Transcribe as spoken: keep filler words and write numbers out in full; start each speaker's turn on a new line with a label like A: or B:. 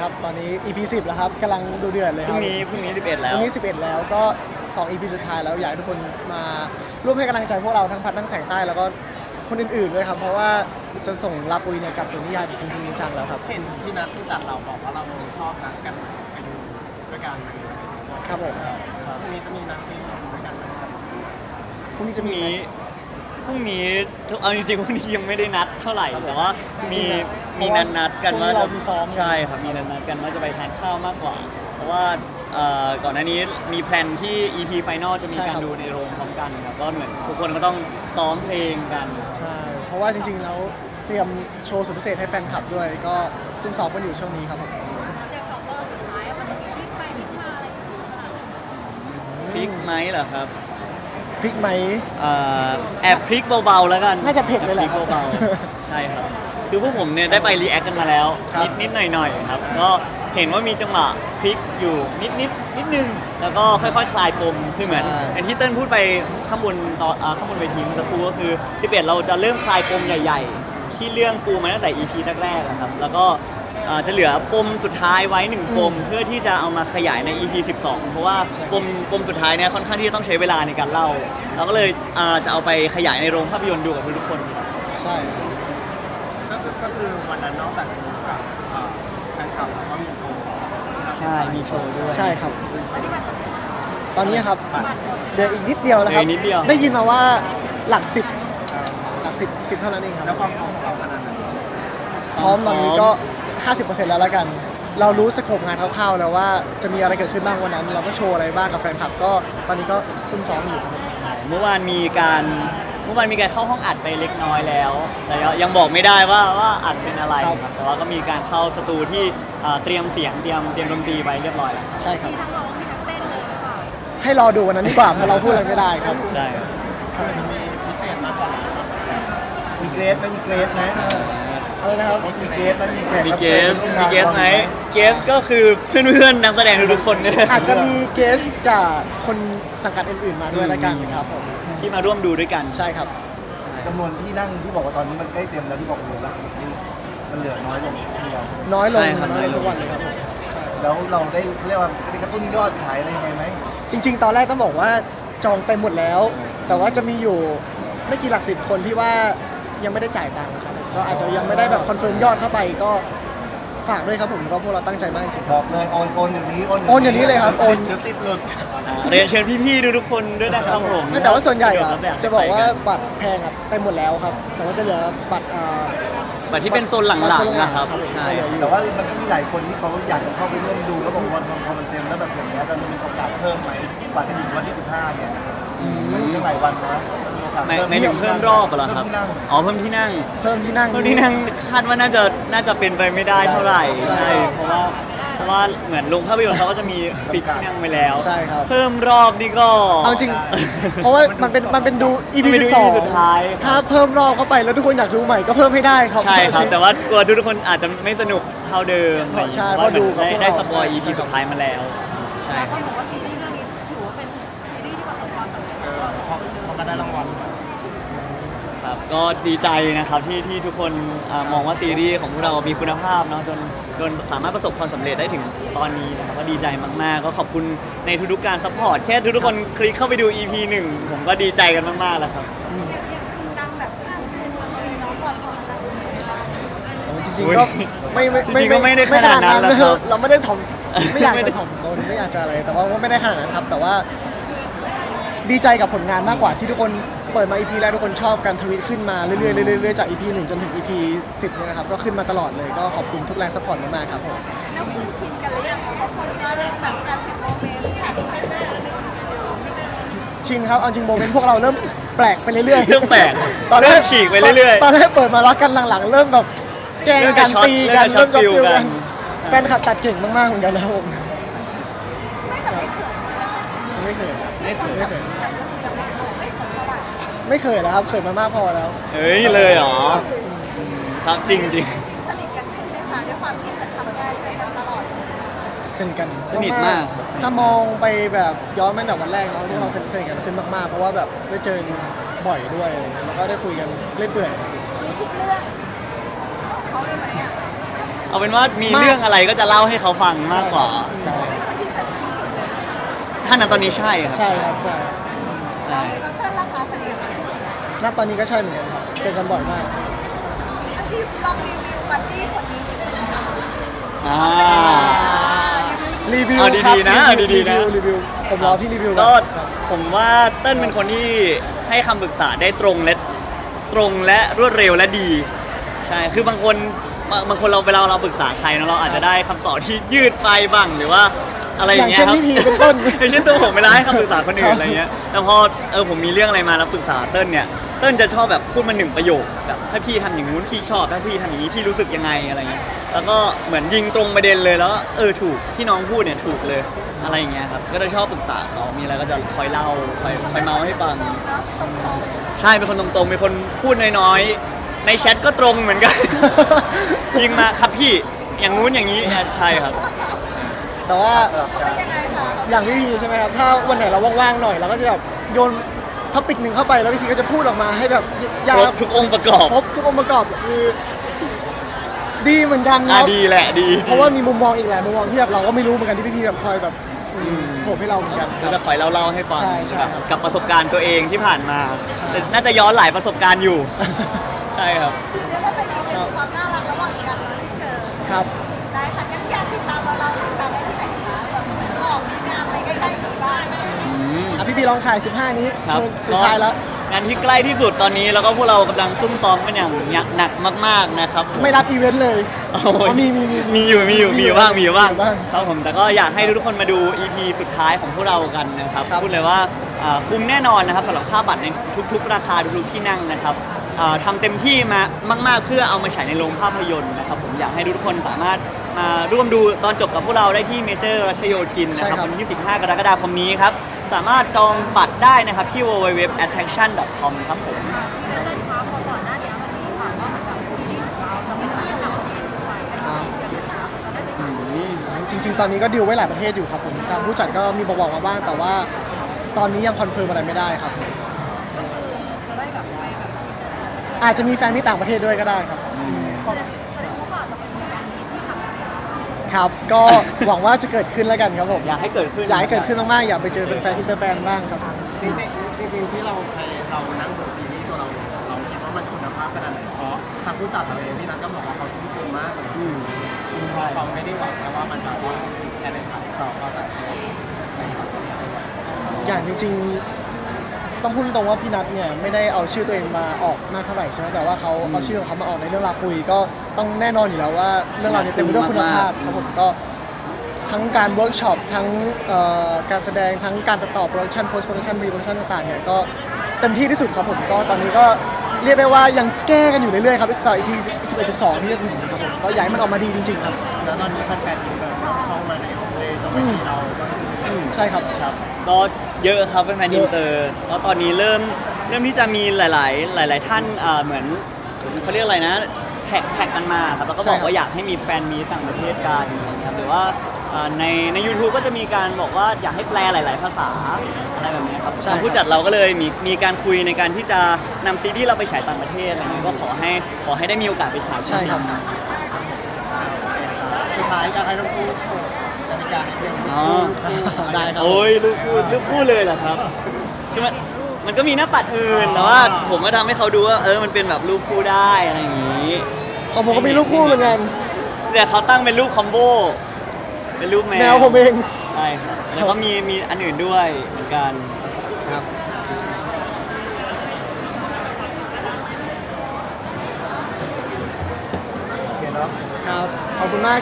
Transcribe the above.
A: ครับตอนนี้ อี พี สิบแล้วครับกำลังดูเดือดเลยค
B: พ
A: รั
B: รุ่
A: บ
B: งนี้พรุ่งนี้สิบเอ็ดแล้
A: วั
B: ว
A: นนี้สิบเอ็ดแล้วก็สอง อี พี สุดท้ายแล้วอยากให้ทุกคนมาร่วมให้กำลังใจพวกเราทั้งพัดทั้งแสงใต้แล้วก็คนอื่นๆด้วยครับเพราะว่าจะส่งรับอุยเนี่ยกับสวนนิยายจริงๆจังๆแล้วครับ
C: เห็นพี่นัทที่จัดเราบอกว่าเราชอบนัดกันไปดูด้วยกันไหม
A: ครับผม
C: พรุ่งนี้จะมีนัดที่ดูด้วยกันไหมครับ
A: พรุ่งนี้
B: พ
A: จะ
B: รุ่ง
A: มีไหม
B: นี้พรุ่งนี้เอาจริงๆพรุ่งนี้ยังไม่ได้นัดเท่าไหร่
A: ครับผม
B: แต่ว่า
A: จริงๆ
B: มี
A: อะ
B: มีนัดนัดกันว่า
A: ช่วงนี้เรามีซ้อม
B: ใช่ครับมีนัดนัดกันว่าจะไปทานข้าวมากกว่า เพราะว่าเอ่อก่อนหน้านี้มีแพลนที่ อี พี Final จะมี
A: ใช่
B: การ
A: ครับ
B: ดูในโรงพร้อมกันครับก็เหมือนทุกคนก็ต้องซ้อมเพลงกัน
A: ใช่เพราะว่าจริงๆแล้วเตรียมโชว์สุดพิเศษให้แฟนคลับด้วย ก็ซุ่มซ้อมกันอยู่ช่วงนี้ครับผม
D: อย่างสองตอนสุดท้ายอะมันจะมีพลิกไปพลิกมาอะไรอย่างเงี้ยค่ะ
B: พริกไหมเหรอครับ
A: พริกไหม
B: เอ่อแอบพริกเบาๆแล้วกัน
A: น่าจะเผ็ดเลยแหละ
B: อบพริกเบาๆ ใช่ครับ คือพวกผมเนี่ยได้ไปรีแอคกันมาแล้ว
A: ครับ
B: นิดนิดหน่อยหน่อยๆครับ ก็เห็นว่ามีจังหวะพลิกอยู่นิดนิดนิดนึง แล้วก็ค่อยๆ คลายปม คือเหมือนอย่างที่เติ้ลพูดไปข้างบนตอนอ่าข้างบนเวทีเมื่อสักครู่ก็คือสิบเอ็ดเราจะเริ่มคลายปมใหญ่ๆ ที่เรื่องปูมาตั้งแต่ อี พี แรกๆอะครับ แล้วก็อ่าจะเหลือปมสุดท้ายไว้หนึ่งปมเพื่อที่จะเอามาขยายใน อี พี สิบสอง เพราะว่าปมปมสุดท้ายเนี่ยค่อนข้างที่จะต้องใช้เวลาในการเล่า เราก็เลยอ่าจะเอาไปขยายในโรงภาพยนตร์ดูกับทุกๆคนครับ
A: ใช่
C: ก็คือก็คือวันนั้นนอกจากดูกับเอ่อแฟนคลับแล้วก็มีโชว์
B: ใช่ มีโชว์ด้วย
A: ใช่ครับ
D: ตอนนี้มัน
A: ตอนนี้ครับ
D: บัตรหมด
A: เดี๋ยวอีกนิดเดียวนะครับ
B: เหลืออีกนิดเดียว
A: ได้ยินมาว่าหลักสิบ
C: เอ่อ
A: หลักสิบสิบเท่านั้นเองครับ
C: แล้วความพร้อมของเราขนาดไหน
A: พร้อมตอนนี้ก็ ห้าสิบเปอร์เซ็นต์ แล้วละกัน เรารู้สโคปงานคร่าวๆแล้วว่าจะมีอะไรเกิดขึ้นบ้างวันนั้น เราก็โชว์อะไรบ้างกับแฟนคลับก็ตอนนี้ก็ซุ่มซ้อมอยู่ครับ
B: เมื่อวานมีการเมื่อวานมีการเข้าห้องอัดไปเล็กน้อยแล้ว แต่ยังบอกไม่ได้ว่าว่าอัดเป็นอะไรครับแต่ว่าก็มีการเข้าสตูที่อ่าเตรียมเสียงเตรียมเตรียมดนตรีไว้เรียบร้อยแล้ว
A: ใช่ครับ
D: มีทั้งร้องมีทั้งเต้นเลยหรือเปล่า
A: ให้รอดูวันนั้นดีกว่าเพราะเราพูดอะไรไม่ได้ครับ
B: ใช่ครับ
C: คือมันมีพิเศษมากกว่านั้น
E: มีเกรดไหมมีเกรดไหม
A: อะไรนะครับ
E: มีเกรดไหมมีแขก
B: มี
E: รับ
B: เก
E: ชิญ
B: ส
E: ร่ว
B: มี
E: งาน
B: เกสไหมเกสก็คือเพื่อนๆนักแสดงทุกๆคนเนี่ย
A: อาจจะมีเกสจากคนสังกัดอื่นๆมาด้วยละกันครับผม
B: ที่มาร่วมดูด้วยกัน
A: ใช่ครับ
E: จำนวนที่นั่งที่บอกว่าตอนนี้มันใกล้เต็มแล้วที่บอกเหลือหลักสิบนี่มันเหลือน้อยลงทีเดียว
A: น้อยลง
B: ใช่ครับ
A: น้อยลงทุกวันเลยครับผมใช่
E: แล้วเราได้เรียกว่าได้กระตุ้นยอดขายอะไรยังไงไหม
A: จริง ๆ ตอนแรกต้องบอกว่าจองเต็มหมดแล้ว แต่ว่าจะมีอยู่ไม่กี่หลักสิบคนที่ว่ายังไม่ได้จ่ายตังค์ครับก็อาจจะยังไม่ได้แบบคอนเฟิร์มยอดเข้าไปก็ฝากด้วยครับผมก็พวกเราตั้งใจมากจริงๆ
E: บ
A: ครั
E: อบ กเลยโอนโอนอย่างนี้
A: โอนอย่างนี้เลยครับโอน
E: เดี๋ยวติดหลุด
B: อ่าเรียนเชิญพี่ๆทุกๆคนด้วยนะครับผม
A: ไม่แต่ว่าส่วนใหญ่อะ
B: สดครับ
A: จะบอกว่า
B: ไปน
A: บัตรแพงอะเต็มหมดแล้วครับ แต่ว่าจะเหลือบัตรอ่า
B: บัตรที่เป็นโซนหลังๆนะครับ
A: บัตรโซนหลังๆ
B: ใช่
A: จะเหลืออยู่
E: แต่ว่ามันก็มีหลายคนที่เขาอยากจะเข้าไปร่วมดูแล้วบอกว่าพอมันเต็มแล้วแบบอย่างเงี้ยเราจะมีโอกาสเพิ่มไหมบัตรจะถึงวันที่สิบห้าเนี่ยมันตั้งหลายวันนะมีโอกาส
B: ไม่
E: เพิ่ม
B: ไม่ถึงเพิ่มรอบเหรอครับ
E: เพิ่มที่นั่ง
B: อ๋อเพิ่มที่นั่ง
A: เพิ่มที่นั่ง
B: เพิ่มที่นั่งคาดว่าน่าจะน่าจะเป็นไปไม่ได้เท่าไหร่
A: ใช่
B: ใช่เพราะว่าเพราะว่าเหมือนโรงภาพยนตร์เขาก็จะมีฟิกที่นั่งไปแล้ว
A: ใช่ครับ
B: เพิ่มรอบนี่ก็
A: เอาจริง เพราะว่ามันเป็นมันเป็นดู อี พี
B: มันเป็น
A: สิบสอง
B: อี พีสุดท้าย
A: ถ้าเพิ่มรอบเข้าไปแล้วทุกคนอยากดูใหม่ก็เพิ่มให้ได้ครับ
B: ใช่ครับ แต่ว่ากลัวทุกคนอาจจะไม่สนุกเท่าเดิม
A: ใช่
B: เพราะว่า
A: เพราะดูกับ
B: ได้
A: พวก
B: ได้
A: เรา
B: สปอย อี พี
A: ใช่ครับ
B: สุดท้ายมาแล้วใช่
D: หลาย
B: ค
D: ครับ นบอกว่าซีรีส์เรื่องนี้ถือว่าเป็นซีรีส์ที่ประสบความสำเร็จ
C: เออพอพอก็ได้รางวัล
B: ครับก็ดีใจนะครับที่ที่ทุกคนอ่ามองว่าซีรีส์ของพวกเรามีคุณภาพเนาะจนจนสามารถประสบความสำเร็จได้ถึงตอนนี้นะครับก็ดีใจมากๆ ก็ขอบคุณในทุกๆการซัพพอร์ตแค่ทุกๆคนคลิกเข้าไปดู อี พี หนึ่งผมก็ดีใจกันมากๆแล้วครับ
D: อย่างอย่างคุณดังแบบข้ามคืนมาเลยน้องก่อนพอมันดังรู้สึกไงบ้าง
A: โอ้จริงๆก็ไม่ไม่
B: จริงๆก็ไม่ได้ขนาดนั้นนะครับ
A: เราไม่ได้ถ่อมไม่อยาก
B: ไม่ได้
A: จะถ่อมตนไม่อยากจะอะไร แต่ว่าไม่ได้ขนาดนั้นครับ แต่ว่าดีใจกับผลงานมากกว่าที่ทุกคนเปิดมา อี พี แรกทุกคนชอบการทวิตขึ้นมาเรื่อยๆเรื่อยๆเรื่อยๆจาก อี พี หนึ่งจนถึง อี พี สิบเนี่ยนะครับก็ขึ้นมาตลอดเลยก็ขอบคุณทุกแรงซัพพอร์ตมากๆครับผม
D: แล้วคุณชินกันหรือยังคะเพราะคนก็เริ่มแบบแอบเห็นโมเมนต์แท็กไปแบบ
A: ชินครับเอาจริงโมเมนต์พวกเราเริ่มแปลกไปเรื่อยๆ
B: เริ่มแปลก
A: ตอนแร
B: เริ่
A: ก
B: มฉีกไปเรื่อยๆ
A: ตอนแรกเปิดมารักกันหลังๆ เริ่มแบบแกล้ง
B: เริ่ม
A: กั
B: จะ
A: น
B: ช็อต
A: ตีกัน
B: เริ่
A: เริ่
B: ม
A: ม
B: จะ
A: จะ
B: ฟิล
A: ฟิล
B: กั
A: กัน นแฟนคลับตัดเก่งมากๆเหมือนกันนะครับผม
D: ไม่แต่ไม่เขินใช่ไหม
A: ไม่เคย
B: ไม่
A: ไม่เคย
D: แต่ก็คือยังไม่ไม่เขินเท่าไหร่
A: ไม่เคยแล้วครับเคยมามากพอแล้ว
B: เฮ้ยเลยเหรอครับจริงจริง
D: สนิทกันขึ้นไหมคะด้วยความที่เหมือนทำงานเจอกันตลอดเลย
A: สนิทกัน
B: สนิทมากครับ
A: ถ้ามองไปแบบย้อนไปแต่วันแรกเนาะพวกเราสนิทสนิทกันขึ้นมากๆ เพราะว่าแบบได้เจอบ่อยด้วยอะไรเงี้ยแล้วก็ได้คุยกันเล่อยเปื่อยครับ
D: รู้ทุกเรื่องของเขาเลยไหมอ่ะ
B: เเอาเป็นว่ามี
A: มาก
B: เรื่องอะไรก็จะเล่าให้เขาฟังมากกว่า
D: เป็นคนที่สนิทที่สุดเลย
B: ท่านนั้นตอนนี้ใช่ครับ
A: ใช่ครับใช่
B: ใช่
D: แล้วเต้นราคาสนิทกับใครที่สุด
A: ณตอนนี้ก็ใช่เหมือนกันครับเจอกันบ่อยมาก
D: อันที่ลองรีวิวบัดดี้คนนี้นิดนึงค่ะ
B: อ่า
A: รีวิว
B: เอาดีๆนะ
A: ครับ
B: เอาดีๆนะ
A: รีวิวรีวิวผมรอพี่รีวิว
B: ก็
A: อนครับ
B: ผมว่าเต้นเป็นคนที่ให้คำปรึกษาได้ตรงและตรงและรวดเร็วและดี ใช่คือบางคนบางบางคนเราเวลาเราปรึกษาใครเนอะเราอาจจะได้คำตอบที่ยืดไปบ้างหรือว่าอะไรอย่างเงี้ย
A: อย่างเช่นพี่พีเป็นต้น
B: อย่างเช่นตัวผมเวลาให้คำปรึกษาคนอื่
A: ครั
B: น
A: บ
B: อะไรเงี้ยแต่พอเออผมมีเรื่องอะไรมาแล้วปรึกษาเต้นเนี่ยเต้นจะชอบแบบพูดมาหนึ่งประโยคแบบถ้าพี่ทำอย่างนู้นพี่ชอบถ้าพี่ทำอย่างนี้พี่รู้สึกยังไงอะไรเงี้ยแล้วก็เหมือนยิงตรงประเด็นเลยแล้วก็เออถูกที่น้องพูดเนี่ยถูกเลยอะไรอย่างเงี้ยครับก็จะชอบปรึกษาเขามีอะไรก็จะคอยเล่าคอยคอยเมาให้ฟัง
D: ตรงเนาะตรงตรง
B: ใช่เป็นคนตรงๆเป็นคนพูดน้อยๆในแชทก็ตรงเหมือนกัน ยิงมาครับพี่อย่างนู้นอย่างนี้ใช่ครับ
A: แต่ว่า
D: เป็นยังไงคะ
A: อย่างพี่พีใช่ไหมครับ ถ้าวันไหนเราว่างๆหน่อยเราก็จะแบบโยนท็อปิกหนึ่งเข้าไปแล้วพี่พีก็จะพูดออกมาให้แบบยา
B: ครบทุกองค์ประกอบ
A: ครบทุกองค์ประกอบคือ ดีเหมือนกันค
B: อ่ะ
A: รับ
B: ดีแหละดี
A: เพราะว่ามีมุมมองอีกหลายมุมมองที่แบบเราก็ไม่รู้เหมือนกันที่พี่พีแบบคอยแบบ
B: อืม
A: สโคปให้เราเหมือนกันค
B: ก็
A: รับ
B: จะคอยเล่าๆให้ฟัง
A: ใช่ใช่
B: กับ
A: ครับ
B: กับประสบการณ์ตัวเองที่ผ่านมา
A: ใช่
B: แต่น่าจะย้อนหลายประสบการณ์อยู่ ใช่ครับ
D: เรียกว่าเป็นอีกหนึ่งความน่ารักระหว่างกันเนาะที่เจอ
A: ครับ
D: ได้ค่ะงั้นอยากติดตามเราเราติดตามได้ที่ไหนคะแบบออกมีงานอะไรใกล้ๆนี้บ้าง
A: อ่ะพี่พีลองขายสิบห้านี้
B: ครับ
A: เชิญสุดท้ายแล้ว
B: งานที่ใกล้ที่สุดตอนนี้แล้วก็พวกเรากำลังซุ่มซ้อมกันอย่างหนักมากๆนะครับผม
A: ไม่รับอีเวนต์เลย
B: โอ้ย
A: อ๋อมีมีมี
B: มีอยู่มีอยู่มีอยู่บ้างมีอยู่บ้าง
A: มีอยู่บ้าง
B: ครับผมแต่ก็อยากให้ทุกคนมาดู อี พี สุดท้ายของพวกเรากันนะครับ
A: ครับ
B: พูดเลยว่าอ่าคุ้มแน่นอนนะครับสำหรับค่าบัตรในทุกๆ ราคาทุกๆที่นั่งนะครับอ่าทำเต็มที่มามาก ๆ เพื่อเอามาฉายในโรงภาพยนตร์นะครับผมอยากให้ทุกคนสามารถมาร่วมดูตอนจบกับพวกเราได้ที่เมเจอร์รัชโยธินนะครับ
A: ใช่ครับ
B: วันที่ สิบห้า กรกฎาคมนี้ครับสามารถจองบัตรได้นะครับที่ ดับเบิลยู ดับเบิลยู ดับเบิลยู ดอท แอทแทคชั่น ดอท คอม ครับผม
A: จริง ๆ ตอนนี้ก็ดีลไว้หลายประเทศอยู่ครับผมทางผู้จัดก็มีบอกๆมาบ้าง แต่ว่าตอนนี้ยังคอนเฟิร์มอะไรไม่ได้ครับ อาจจะมีแฟนที่ต่างประเทศด้วยก็ได้ครับ ครับ ก็หวังว่าจะเกิดขึ้นแล้วกันครับผม
B: อยากให้เกิดขึ้น
A: อยากให้เกิดขึ้นมากๆ อยากไปเจอเป็นแฟนอินเตอร์แฟนบ้างครับ
C: จริงๆจริงๆที่เราไปเรานั่งดูซีรีส์ตัวเราเองเราคิดว่ามันคุณภาพขนาดไหนเพราะทางผู้จัดเราเองพี่นัทก็บอกว่าเขาทุ่มเทมากเลย
B: อืม
C: เพราะเขาไม่ได้หวังแค่ว่ามันจะว่าแค่ในไทยเขาก็จะใช้ในต่างประเทศด้วย
A: อย่างจริงๆ ต้องพูดตรงว่าพี่นัทเนี่ยไม่ได้เอาชื่อตัวเองมาออกมากเท่าไหร่ใช่ไหมแต่ว่าเขาเอาชื่อของเขามาออกในเรื่องราวปุยก็ต้องแน่นอนอยู่แล้วว่าเรื่องราวนี้เต็มไปด้วยคุณภาพครับผมก็ทั้งการเวิร์กช็อปทั้งเอ่อการแสดงทั้งการตัดต่อโปรดักชันโพสต์โปรดักชันรีโปรดักชันต่างๆเนี่ยก็เต็มที่ที่สุดครับผมก็ตอนนี้ก็เรียกได้ว่ายังแก้กันอยู่เรื่อยๆครับอีกสองอีพีสิบเอ็ดสิบสองที่จะถึงครับผมก็อยากให้มันออกมาดีจริงๆครับ
C: แล้วตอนนี้แฟนๆอินเตอร์เข้ามาในเลยตรงนี้เราก็คือ
B: อืม
A: ใช่ครับ
B: ครับก็เยอะครับเป็นแฟน
A: เย
B: อิ
A: อะ
B: นเตอร์แล้วตอนนี้เริ่มเริ่มที่จะมีหลาย ๆ หลาย ๆ ท่านอ่าเหมือนเขาเรียกอะไรนะแท็กแท็กกันมาครับแล้วก็บอกว่าอยากให้มีแฟนมีต่างประเทศกันอะไรอย่างเงี้ยครับหรือว่าอ่าในใน YouTube ก็จะมีการบอกว่าอยากให้แปลหลาย ๆ ภาษาอะไรแบบเนี้ยครับ
A: ใช่
B: ทางผู้จัดเราก็เลยมีมีการคุยในการที่จะนำซีรีส์เราไปฉายต่างประเทศอะไรเงี้ยก็ขอให้ขอให้ได้มีโอกาสไปฉาย
A: ใช่ครับ
C: สุดท้ายอยากให้น้องผู้โชว์กติกาในเรื่อง
B: อ๋อ
A: ได้ครับ
B: โอ้ยลูกพูดลูกพูดเลยเหรอครับคือมันมันก็มีหน้าปัดอื่นแต่ว่าผมก็ทำให้เขาดูว่าเออมันเป็นแบบรูปคู่ได้อะไรอย่างนี้
A: ของผมก็มีลูกคู่เหมือนกัน
B: แต่เขาตั้งเป็นรูปคอมโบเป็นรูปแมว
A: แมวผมเอง
B: ใช่ครับแล้วก็มีมีอันอื่นด้วยเหมือนกัน
A: ครับ
E: โอเคเนาะ
A: ครับ ขอบคุณมาก